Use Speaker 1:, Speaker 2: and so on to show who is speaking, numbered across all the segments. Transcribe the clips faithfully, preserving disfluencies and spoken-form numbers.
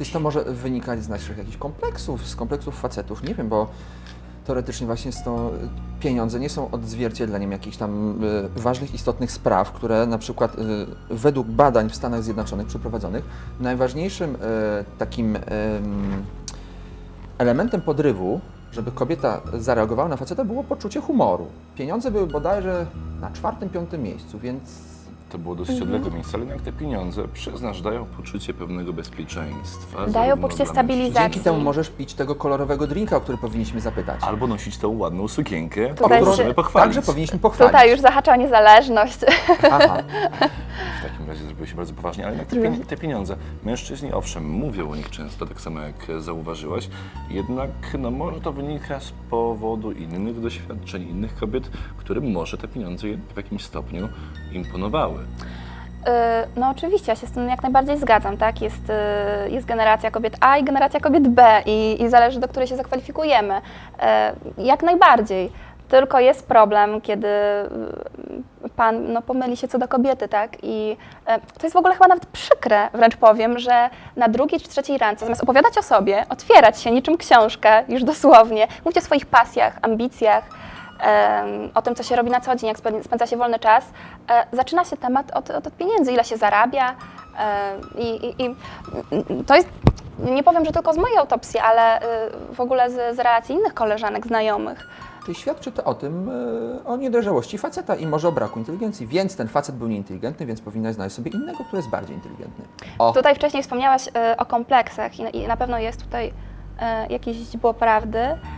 Speaker 1: Czy to może wynikać z naszych jakichś kompleksów, z kompleksów facetów? Nie wiem, bo teoretycznie właśnie jest to, pieniądze nie są odzwierciedleniem jakichś tam y, ważnych, istotnych spraw, które na przykład y, według badań w Stanach Zjednoczonych przeprowadzonych najważniejszym y, takim y, elementem podrywu, żeby kobieta zareagowała na faceta, było poczucie humoru. Pieniądze były bodajże na czwartym, piątym miejscu, więc
Speaker 2: To było dosyć mhm. odległe miejsce, ale jednak te pieniądze, przyznasz, dają poczucie pewnego bezpieczeństwa.
Speaker 3: Dają poczucie stabilizacji.
Speaker 1: Dzięki temu możesz pić tego kolorowego drinka, o który powinniśmy zapytać.
Speaker 2: Albo nosić tą ładną sukienkę,
Speaker 3: Tutaj
Speaker 2: którą
Speaker 3: się-
Speaker 2: żeby pochwalić.
Speaker 1: Także powinniśmy pochwalić.
Speaker 3: Tutaj już zahacza o niezależność.
Speaker 1: Aha.
Speaker 2: W takim razie zrobiło się bardzo poważnie, ale jednak te, pieni- te pieniądze, mężczyźni owszem mówią o nich często, tak samo jak zauważyłaś, jednak no, może to wynika z powodu innych doświadczeń, innych kobiet, którym może te pieniądze w jakimś stopniu imponowały.
Speaker 3: Y, No oczywiście, ja się z tym jak najbardziej zgadzam, tak? Jest, y, jest generacja kobiet A i generacja kobiet B i, i zależy, do której się zakwalifikujemy. Y, Jak najbardziej. Tylko jest problem, kiedy y, pan no, pomyli się co do kobiety, tak? I y, to jest w ogóle chyba nawet przykre, wręcz powiem, że na drugiej czy trzeciej randce, zamiast opowiadać o sobie, otwierać się niczym książkę, już dosłownie, mówić o swoich pasjach, ambicjach, em, o tym, co się robi na co dzień, jak spę- spędza się wolny czas, e, zaczyna się temat od, od, od pieniędzy, ile się zarabia e, i, i, i to jest, nie powiem, że tylko z mojej autopsji, ale y, w ogóle z, z relacji innych koleżanek, znajomych.
Speaker 1: Czyli świadczy to o tym, e, o niedojrzałości faceta i może o braku inteligencji, więc ten facet był nieinteligentny, więc powinnaś znaleźć sobie innego, który jest bardziej inteligentny. O,
Speaker 3: Tutaj wcześniej wspomniałaś y, o kompleksach i, i na pewno jest tutaj y, jakieś źdźbło prawdy,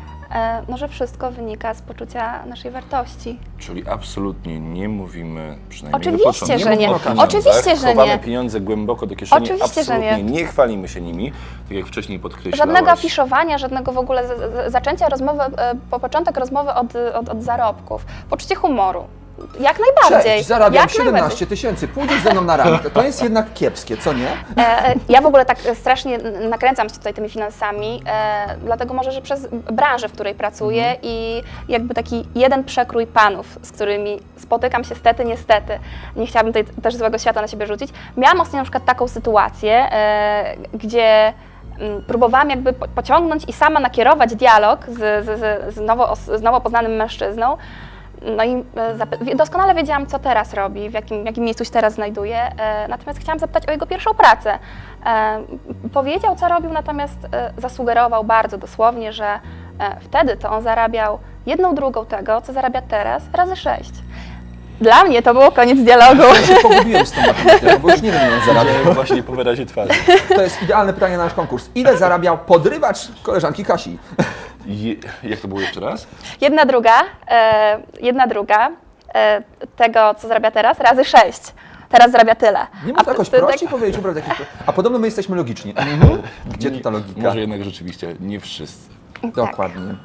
Speaker 3: e, no, że wszystko wynika z poczucia naszej wartości.
Speaker 2: Czyli absolutnie nie mówimy, przynajmniej
Speaker 3: Oczywiście,
Speaker 2: na początku,
Speaker 3: że nie.
Speaker 2: o pieniądzach.
Speaker 3: Oczywiście, że
Speaker 2: Chowamy
Speaker 3: nie.
Speaker 2: pieniądze głęboko do kieszeni,
Speaker 3: Oczywiście, że
Speaker 2: absolutnie
Speaker 3: nie.
Speaker 2: nie chwalimy się nimi, tak jak wcześniej podkreślałaś.
Speaker 3: Żadnego afiszowania, żadnego w ogóle z, z, zaczęcia rozmowy, e, po początek rozmowy od, od, od zarobków. Poczucie humoru. Jak najbardziej.
Speaker 1: cześć, zarabiam
Speaker 3: jak
Speaker 1: siedemnaście
Speaker 3: najbardziej.
Speaker 1: tysięcy, pójdziesz ze mną na randkę. To jest jednak kiepskie, co nie?
Speaker 3: E, e, ja w ogóle tak strasznie nakręcam się tutaj tymi finansami, e, dlatego może, że przez branżę, w której pracuję
Speaker 1: Mhm.
Speaker 3: i jakby taki jeden przekrój panów, z którymi spotykam się stety, niestety, nie chciałabym tutaj też złego świata na siebie rzucić. Miałam ostatnio na przykład taką sytuację, e, gdzie mm, próbowałam jakby po- pociągnąć i sama nakierować dialog z, z, z, z, nowo, os- z nowo poznanym mężczyzną. No i e, zapy- doskonale wiedziałam, co teraz robi, w jakim, w jakim miejscu się teraz znajduje, e, natomiast chciałam zapytać o jego pierwszą pracę. E, powiedział, co robił, natomiast e, zasugerował bardzo dosłownie, że e, wtedy to on zarabiał jedną drugą tego, co zarabia teraz, razy sześć. Dla mnie to było koniec dialogu.
Speaker 1: Ja się pogubiłem z tą matematyką, bo już nie wiem, ile on zarabiał.
Speaker 2: Zarabiam właśnie po wyrazie twarzy.
Speaker 1: To jest idealne pytanie na nasz konkurs. Ile zarabiał podrywacz koleżanki Kasi?
Speaker 2: Je, jak to było jeszcze raz?
Speaker 3: Jedna druga, e, jedna druga e, tego, co zarabia teraz, razy sześć. Teraz zarabia tyle.
Speaker 1: Nie można
Speaker 3: A
Speaker 1: jakoś
Speaker 3: ty- ty-
Speaker 1: prościej powiedzieć, ubrać jakiś... A podobno my jesteśmy logiczni. Mhm. Gdzie tu ta logika?
Speaker 2: Może jednak rzeczywiście nie wszyscy.
Speaker 1: Dokładnie.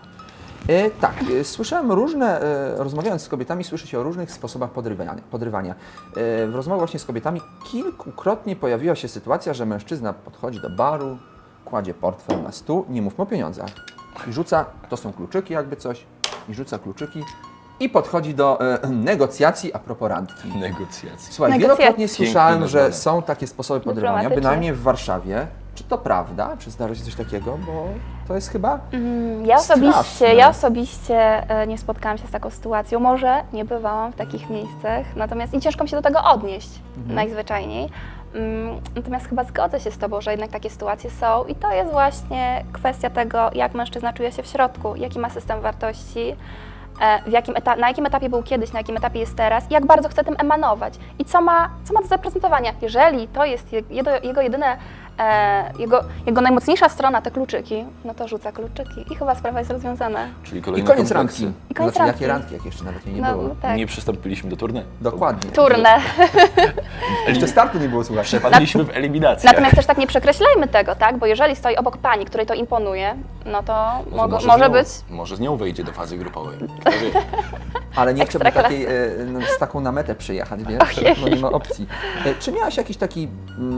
Speaker 1: E, tak, e, słyszałem różne, e, rozmawiając z kobietami, słyszy się o różnych sposobach podrywania. podrywania. E, w rozmowach właśnie z kobietami kilkukrotnie pojawiła się sytuacja, że mężczyzna podchodzi do baru, kładzie portfel na stół, nie mówmy o pieniądzach, i rzuca, to są kluczyki jakby coś, i rzuca kluczyki i podchodzi do e, negocjacji a propos randki.
Speaker 2: Negocjacje.
Speaker 1: Słuchaj,
Speaker 3: Negocjacje.
Speaker 1: wielokrotnie słyszałem,
Speaker 2: Pięknie
Speaker 1: że
Speaker 2: nazwane.
Speaker 1: są takie sposoby podrywania,
Speaker 3: Dyplomatyczne.
Speaker 1: bynajmniej w Warszawie. Czy to prawda? Czy zdarza się coś takiego? Bo to jest chyba...
Speaker 3: Mm, Ja osobiście,
Speaker 1: Straszne.
Speaker 3: ja osobiście e, nie spotkałam się z taką sytuacją. Może nie bywałam w takich miejscach, natomiast i ciężko mi się do tego odnieść najzwyczajniej. Mm, Natomiast chyba zgodzę się z Tobą, że jednak takie sytuacje są i to jest właśnie kwestia tego, jak mężczyzna czuje się w środku, jaki ma system wartości, e, w jakim eta- na jakim etapie był kiedyś, na jakim etapie jest teraz i jak bardzo chce tym emanować i co ma, co ma do zaprezentowania. Jeżeli to jest je- jego, jego jedyne, e, jego, jego najmocniejsza strona, te kluczyki, no to rzuca kluczyki i chyba sprawa jest rozwiązana.
Speaker 2: Czyli
Speaker 1: I
Speaker 2: kolejne
Speaker 1: koniec
Speaker 2: kompleksy.
Speaker 1: randki.
Speaker 3: I koniec
Speaker 1: znaczy,
Speaker 3: randki.
Speaker 1: jakie randki, jak jeszcze nawet jej nie
Speaker 3: No,
Speaker 1: było.
Speaker 3: no tak.
Speaker 2: Nie przystąpiliśmy do turny.
Speaker 1: Dokładnie.
Speaker 3: Turnę.
Speaker 1: Jeszcze startu nie było, słuchaj.
Speaker 2: Przepadliśmy w eliminację.
Speaker 3: Natomiast też tak nie przekreślajmy tego, tak? Bo jeżeli stoi obok pani, której to imponuje, no to
Speaker 2: Może,
Speaker 3: mo-
Speaker 2: z
Speaker 3: może
Speaker 2: nią,
Speaker 3: być.
Speaker 2: Może z nią wejdzie do fazy grupowej. Kto wie?
Speaker 1: Ale nie chcę
Speaker 3: Ekstraklasy.
Speaker 1: takiej, e, no, z taką na metę przyjechać, wiesz?
Speaker 3: Ojej.
Speaker 1: No nie ma opcji. E, Czy miałaś jakiś taki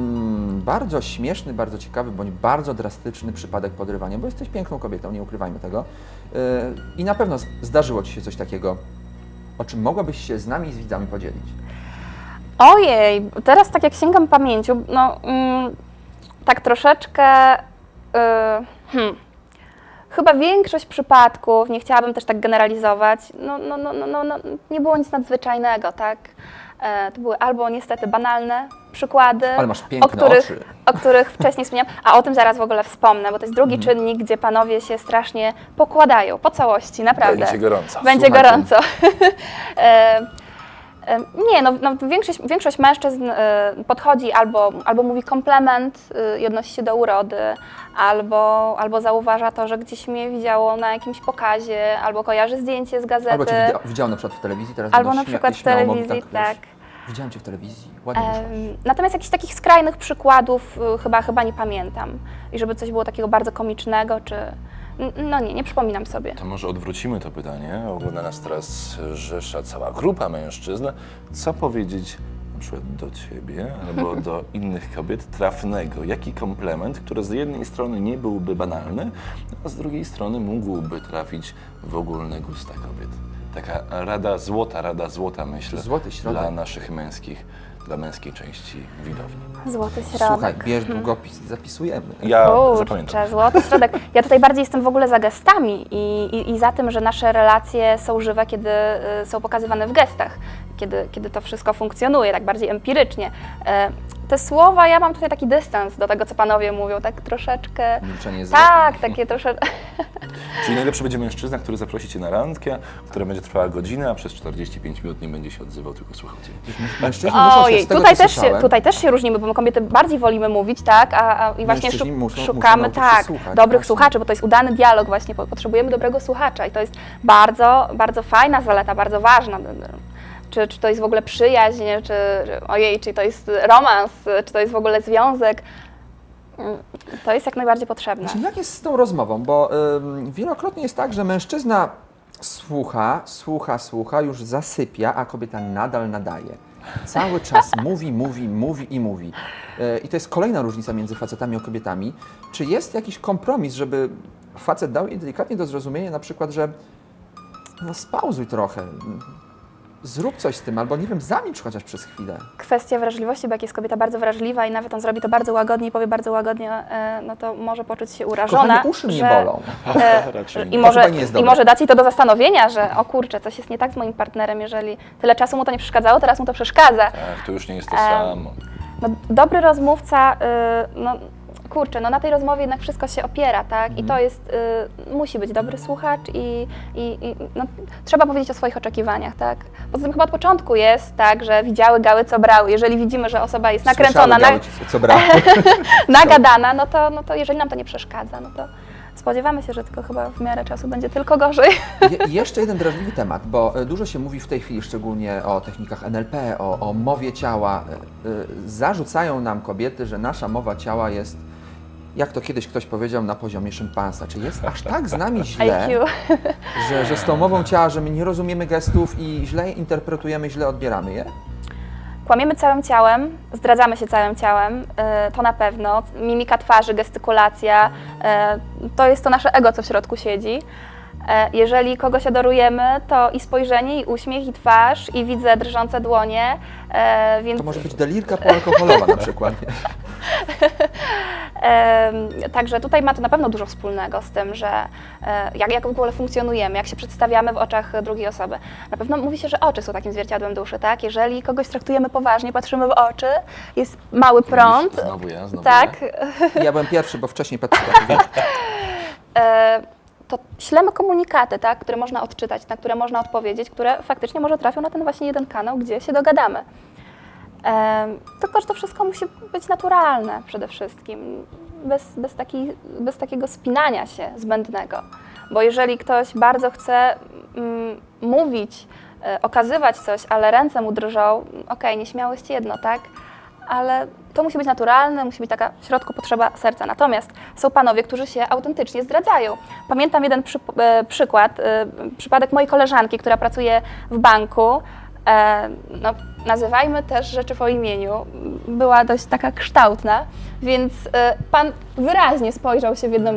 Speaker 1: mm, bardzo śmieszny, bardzo ciekawy, bądź bardzo drastyczny przypadek podrywania? Bo jesteś piękną kobietą, nie ukrywajmy tego. E, I na pewno z- zdarzyło Ci się coś takiego, o czym mogłabyś się z nami i z widzami podzielić.
Speaker 3: Ojej, teraz tak jak sięgam pamięcią, no mm, tak troszeczkę, y, hmm, chyba większość przypadków, nie chciałabym też tak generalizować, no, no, no, no, no, no, nie było nic nadzwyczajnego, tak? E, to były albo niestety banalne przykłady,
Speaker 1: Ale masz
Speaker 3: o
Speaker 1: piękne
Speaker 3: których,
Speaker 1: oczy.
Speaker 3: o których wcześniej wspomniałam, a o tym zaraz w ogóle wspomnę, bo to jest drugi
Speaker 1: Mhm.
Speaker 3: czynnik, gdzie panowie się strasznie pokładają, po całości, naprawdę.
Speaker 2: Będzie gorąco.
Speaker 3: Będzie
Speaker 1: Słuchajcie.
Speaker 3: gorąco. e, e, nie, no, no większość, większość mężczyzn e, podchodzi albo, albo mówi komplement e, i odnosi się do urody, albo, albo zauważa to, że gdzieś mnie widziało na jakimś pokazie, albo kojarzy zdjęcie z gazety.
Speaker 1: Albo cię widział, widział na przykład w telewizji, teraz
Speaker 3: Albo
Speaker 1: będą
Speaker 3: na
Speaker 1: śmia-
Speaker 3: przykład w
Speaker 1: śmiało mogli
Speaker 3: telewizji,
Speaker 1: wiesz,
Speaker 3: tak.
Speaker 1: Widziałem cię w telewizji, ładnie wyszłaś.
Speaker 3: Em, Natomiast jakichś takich skrajnych przykładów y, chyba, chyba nie pamiętam. I żeby coś było takiego bardzo komicznego, czy... n- No nie, nie przypominam sobie.
Speaker 2: To może odwrócimy to pytanie. Ogląda nas teraz rzesza, cała grupa mężczyzn. Co powiedzieć na przykład do ciebie albo do innych kobiet trafnego? Jaki komplement, który z jednej strony nie byłby banalny, a z drugiej strony mógłby trafić w ogólne gusta kobiet? Taka rada złota, rada złota, myślę,
Speaker 1: Złoty środek.
Speaker 2: dla naszych męskich, dla męskiej części widowni.
Speaker 3: Złoty środek.
Speaker 1: Słuchaj, bierz długopis i zapisujemy.
Speaker 2: Ja
Speaker 3: Kurczę,
Speaker 2: zapamiętam.
Speaker 3: złoty środek. Ja tutaj bardziej jestem w ogóle za gestami i, i, i za tym, że nasze relacje są żywe, kiedy y, są pokazywane w gestach, kiedy, kiedy to wszystko funkcjonuje, tak bardziej empirycznie. E, te słowa, ja mam tutaj taki dystans do tego, co panowie mówią, tak troszeczkę...
Speaker 1: Milczenie jest
Speaker 3: Tak,
Speaker 1: złotem.
Speaker 3: takie troszeczkę...
Speaker 2: Czyli najlepszy będzie mężczyzna, który zaprosi cię na randkę, która będzie trwała godzinę, a przez czterdzieści pięć minut nie będzie się odzywał, tylko słuchał cię.
Speaker 1: Mężczyźni muszą się
Speaker 3: Ojej,
Speaker 1: z tego,
Speaker 3: tutaj
Speaker 1: co
Speaker 3: też, się,
Speaker 1: słyszałem,
Speaker 3: tutaj też się różnimy, bo my kobiety bardziej wolimy mówić, tak, a, a i właśnie
Speaker 1: Mężczyźni
Speaker 3: szuk-
Speaker 1: muszą- muszą
Speaker 3: szukamy,
Speaker 1: nauczyć się
Speaker 3: tak,
Speaker 1: słuchać,
Speaker 3: dobrych
Speaker 1: właśnie.
Speaker 3: słuchaczy, bo to jest udany dialog właśnie, po- potrzebujemy dobrego słuchacza i to jest bardzo, bardzo fajna zaleta, bardzo ważna. Czy, czy to jest w ogóle przyjaźń, czy, czy ojej, czy to jest romans, czy to jest w ogóle związek, Mm, to jest jak najbardziej potrzebne.
Speaker 1: Znaczy, jak jest z tą rozmową? Bo ym, wielokrotnie jest tak, że mężczyzna słucha, słucha, słucha, już zasypia, a kobieta nadal nadaje. Cały czas mówi, mówi, mówi i mówi. Yy, I to jest kolejna różnica między facetami a kobietami. Czy jest jakiś kompromis, żeby facet dał jej delikatnie do zrozumienia, na przykład, że no spauzuj trochę, zrób coś z tym, albo nie wiem, zamilcz chociaż przez chwilę.
Speaker 3: Kwestia wrażliwości, bo jak jest kobieta bardzo wrażliwa i nawet on zrobi to bardzo łagodnie i powie bardzo łagodnie, e, no to może poczuć się urażona.
Speaker 1: Kochanie, uszy mnie
Speaker 3: że-
Speaker 1: bolą.
Speaker 3: E,
Speaker 2: Raczej
Speaker 3: I
Speaker 2: nie.
Speaker 3: może,
Speaker 1: chyba nie jest
Speaker 3: I
Speaker 1: dobre.
Speaker 3: może dać jej to do zastanowienia, że o kurczę, coś jest nie tak z moim partnerem, jeżeli tyle czasu mu to nie przeszkadzało, teraz mu to przeszkadza.
Speaker 2: Tak, to już nie jest to
Speaker 3: Em,
Speaker 2: samo.
Speaker 3: No, dobry rozmówca, y, no kurczę, no na tej rozmowie jednak wszystko się opiera, tak? I to jest, y, musi być dobry słuchacz i, i, i no, trzeba powiedzieć o swoich oczekiwaniach, tak? Poza tym chyba od początku jest tak, że widziały gały, co brały. Jeżeli widzimy, że osoba jest nakręcona,
Speaker 1: Słyszały,
Speaker 3: na,
Speaker 1: gały, co brało.
Speaker 3: nagadana, no to, no to jeżeli nam to nie przeszkadza, no to spodziewamy się, że tylko chyba w miarę czasu będzie tylko gorzej.
Speaker 1: Je, jeszcze jeden drażliwy temat, bo e, dużo się mówi w tej chwili szczególnie o technikach N L P, o, o mowie ciała. E, e, Zarzucają nam kobiety, że nasza mowa ciała jest, jak to kiedyś ktoś powiedział, na poziomie szympansa. Czy jest aż tak z nami źle,
Speaker 3: I Q.
Speaker 1: że, że z tą mową ciała, że my nie rozumiemy gestów i źle je interpretujemy, źle odbieramy je?
Speaker 3: Kłamiemy całym ciałem, zdradzamy się całym ciałem, y, to na pewno. Mimika twarzy, gestykulacja, y, to jest to nasze ego, co w środku siedzi. Y, Jeżeli kogoś adorujemy, to i spojrzenie, i uśmiech, i twarz, i widzę drżące dłonie, y, więc...
Speaker 1: To może być delirka poalkoholowa na przykład. Nie?
Speaker 3: Em, Także tutaj ma to na pewno dużo wspólnego z tym, że e, jak, jak w ogóle funkcjonujemy, jak się przedstawiamy w oczach drugiej osoby. Na pewno mówi się, że oczy są takim zwierciadłem duszy, tak? Jeżeli kogoś traktujemy poważnie, patrzymy w oczy, jest mały prąd,
Speaker 2: Znowu ja, znowu
Speaker 3: tak?
Speaker 2: ja.
Speaker 1: Ja byłem pierwszy, bo wcześniej patrzyłem. wiesz.
Speaker 3: E, to ślemy komunikaty, tak? Które można odczytać, na które można odpowiedzieć, które faktycznie może trafią na ten właśnie jeden kanał, gdzie się dogadamy. Em, Tylko, że to wszystko musi być naturalne przede wszystkim, bez, bez, taki, bez takiego spinania się zbędnego. Bo jeżeli ktoś bardzo chce mm, mówić, e, okazywać coś, ale ręce mu drżą, okej, nieśmiałość jedno, tak? Ale to musi być naturalne, musi być taka w środku potrzeba serca. Natomiast są panowie, którzy się autentycznie zdradzają. Pamiętam jeden przy, e, przykład, e, przypadek mojej koleżanki, która pracuje w banku. E, no, nazywajmy też rzeczy po imieniu, była dość taka kształtna, więc e, pan wyraźnie spojrzał się w jedną